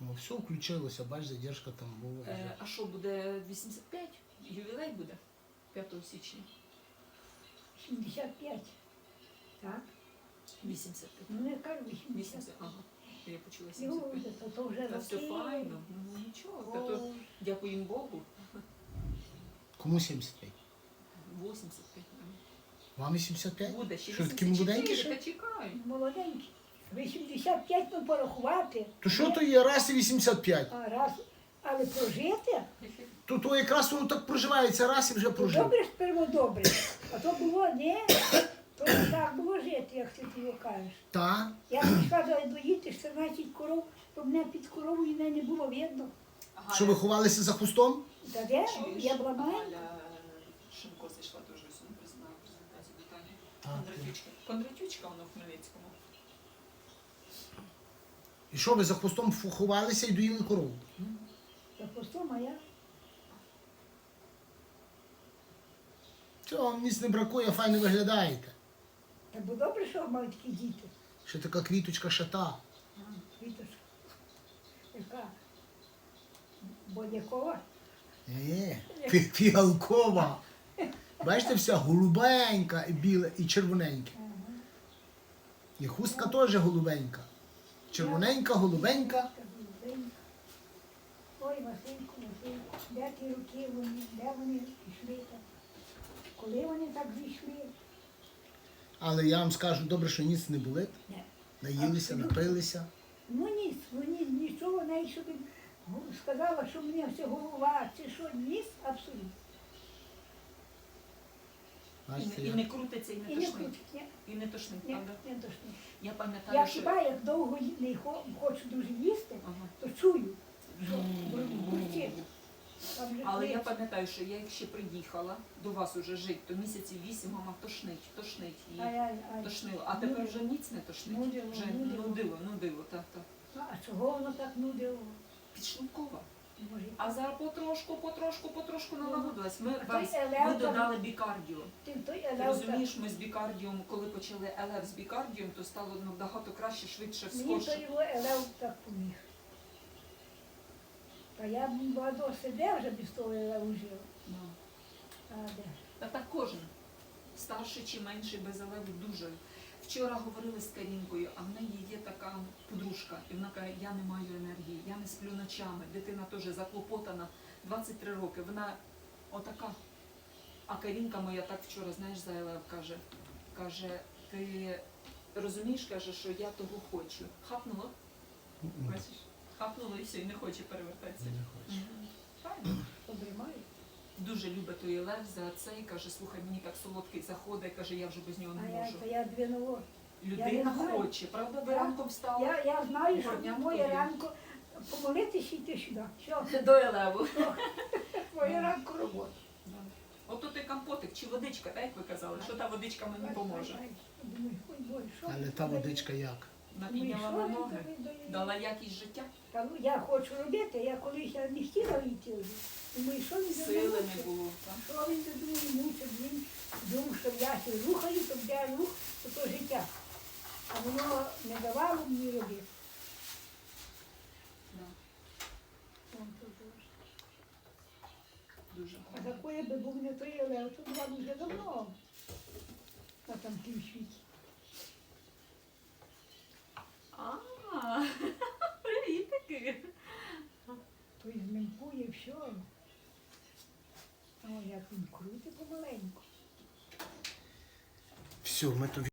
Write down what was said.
Ну, все включилося, бач, задержка там була. А що, буде 85? Ювілей буде 5 січня. 75. Так? 85. Ну, я кажу 80. 80, ага. Я почула Ну, 75. то вже Та все роки. файно. Ну нічого. Та О, то дякуємо Богу. Кому 75? 85. Вам 85? Буде ще Що, такі 84, молоденькі ще? та чекаю. молоденький. 85 ну порахувати. То що то є раз і 85? А раз, але прожити, То якраз воно так проживається, раз і вже то прожив. добре ж перво добре. А то було, ні, то не так було жити, як ти його кажеш. Та? Я прийшла доїти 14 коров, то мене під коровою не було видно. Що ви ховалися за хустом? Та де? Я була маленька. Галя Шимко зайшла теж сьогодні признала презентацію питання. А, Кондратючка. Кондратючка вона в Хмельницькому. І що ви за хвостом ховалися і доїли корову? Та постом, а я. Цього вам ніц не бракує, файно виглядаєте. Та бо добре, що мали такі діти. Ще така квіточка шата. Квіточка. Яка? Бодякова? Фіалкова. Бачите, вся голубенька, і біла, і червоненька. Ага. І хустка теж голубенька. Червоненька, голубенька. Ой, Васильку, Васильку, де ті руки вони, де вони пішли так? Коли вони так зійшли? Але я вам скажу, добре, що ніц не болить. Ні. Наїлися, Абсолютно. напилися. Ну ніц, нічого, навіть щоб сказала, що мені все голова, чи що, ніц, абсолютно. Бачите, І як? не крутиться, і І не не тошнить. крутить, ні, І не тошнить, ні, правда? не точно. Я Я пам'ятаю, що... хіба як довго не хочу дуже їсти, Ага. то чую, що бурчить. Там же Але я клич. пам'ятаю, що я як ще приїхала до вас уже жити, то місяців 8 мама тошнить. І Ай. тошнило. А тепер вже ніц не тошнить. Нудило, Вже нудило. нудило, так. Ну, а чого воно так нудило? Підшлункова. Може, А зараз потрошку налагодилась. Ми, А той Вась, елев ми там- додали бікардіо. Ти той Ти елев розумієш, ми з бікардіом, коли почали ЛФ з бікардіом, то стало набагато краще, швидше, мені той скорше. його елев так поміг. Та я б багато сидів вже без того елеву жив. Ну. А де? Та так кожен. Старший чи менший без елеву дуже. Вчора говорили з Карінкою, а в неї є така подружка, і вона каже, я не маю енергії, я не сплю ночами, дитина теж заклопотана, 23 роки, вона отака. А Карінка моя так вчора, знаєш, за елев каже, ти розумієш, каже, що я того хочу. Хапнуло, бачиш? Хапнуло і все, і не хоче перевертатися. Не хочу. Правильно. Обримаю. Дуже любить той Лев за це і каже, слухай, мені так солодкий заходить, каже, я вже без нього А не я, можу. то я двинуло. Людина я не знаю. хоче, правда, ви Я- ранком встала Я знаю, що Горняк моє тобі. ранку помолитися і йти сюди. Що? до Елеву. Моє ранку робота. Ото ти компотик чи водичка, так як ви казали, що та водичка мені поможе. Думаю, ой, Боже, що Але ви та туди? водичка як? Напідняла Думаю, на що ви ноги, туди даєте? дала якість життя, Та ну, я хочу робити, я колись я не хотіла йти вже. Думаю, що він за сили мною не було. так. Що він за мною мучить, він думав, що я ще рухаю, то де рух, то життя. А воно не давало мені робити. Да, Вон то дуже. дуже А гарно. такої би був не той Лев, то була б вже давно на там тім світі. А, привіт таки. То і зменькує все. О, як він крутить помаленьку. Все, ми то